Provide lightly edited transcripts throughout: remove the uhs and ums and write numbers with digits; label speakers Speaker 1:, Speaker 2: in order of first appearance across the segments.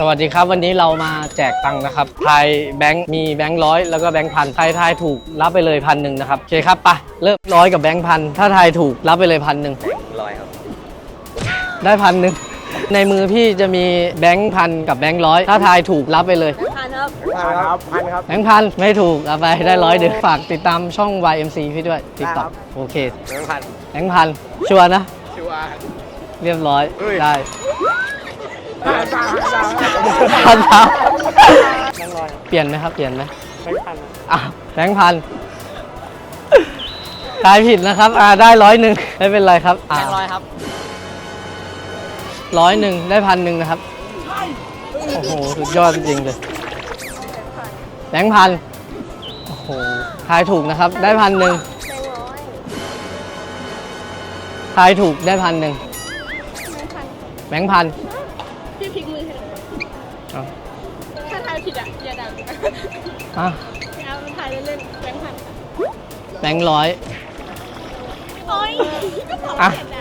Speaker 1: สวัสดีครับวันนี้เรามาแจกตังค์นะครับทายแบงค์มีแบงค์ร้อยแล้วก็แบงค์พันใครทายถูกรับไปเลย1,000นะครับโอเคครับไปเริ่มร้อยกับแบงค์พันถ้าทายถูกรับไปเลย1,000
Speaker 2: ร้อยครับ
Speaker 1: ได้1,000ในมือพี่จะมีแบงค์พันกับแบงค์ร้อยถ้าทายถูกรับไปเลย
Speaker 3: พันครับ
Speaker 2: พันครับ
Speaker 1: แบงค์พันไม่ถูกเอาไปได้100ฝากติดตามช่อง YMC พี่ด้วย TikTok โอเค
Speaker 2: พัน
Speaker 1: แบงค์พันชัวร์นะ
Speaker 2: ชัวร์
Speaker 1: เรียบร้อย
Speaker 2: เฮ้ย
Speaker 1: ได้
Speaker 2: พัน
Speaker 1: พันครับเปลี่ยนไหมครับเปลี่ยนไหม
Speaker 2: แบงค์พัน
Speaker 1: อ่ะแบงค์พันทายผิดนะครับได้100ไม่เป็นไรครับ
Speaker 3: แบงค์ร้อยครับ
Speaker 1: 100ได้1,000นะครับโอ้โหสุดยอดจริงเลยแบงค์พันโอ้โหทายถูกนะครับได้1,000ทายถูกได้1,000แบงค์พัน
Speaker 4: พี่พลิกมือให้หน่อย
Speaker 1: เอา
Speaker 4: ถ้าทายผิดอ่ะอย่าดัง
Speaker 1: อ่ะ
Speaker 4: เอาทายเล่นๆแบงค์พันค่ะ
Speaker 1: แบงค์ร้อย
Speaker 4: โอ๊ยก็บอก
Speaker 1: อ่ะ
Speaker 4: เห็น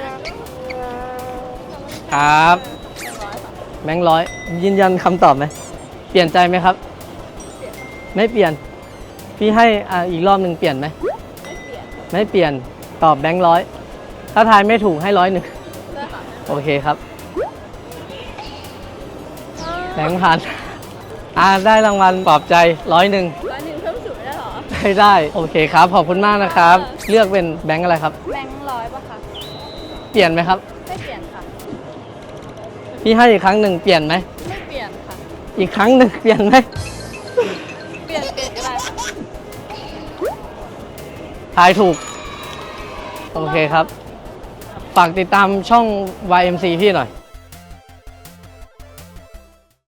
Speaker 4: นะ
Speaker 1: ครับแบงค์ร้อยยืนยันคำตอบไหมเปลี่ยนใจไหมครับ ไม่เปลี่ยนพี่ให้อีกรอบหนึ่งเปลี่ยนไหมไม่เปลี่ยนตอบแบงค์ร้อยถ้าทายไม่ถูกให้100โอเคครับแบงค์พันได้รางวัลปลอบใจ100
Speaker 4: 100เพิ่มสูงได้เหรอ
Speaker 1: ได้โอเคครับขอบคุณมากนะครับ เลือกเป็นแบงค์อะไรครับ
Speaker 4: แบงค์ร้อยป่ะคะ
Speaker 1: เปลี่ยนไหมครับ
Speaker 4: ไม่เปลี่ยนค่ะ
Speaker 1: พี่ให้อีกครั้งหนึ่งเปลี่ยนไหม
Speaker 4: ไม่เปลี่ยนค่ะ
Speaker 1: อีกครั้งหนึ่งเปลี่ยนไหม
Speaker 4: เปลี่ยนก็ได้ค่ะ
Speaker 1: ทายถูกโอเคครับฝากติดตามช่อง YMC พี่หน่อย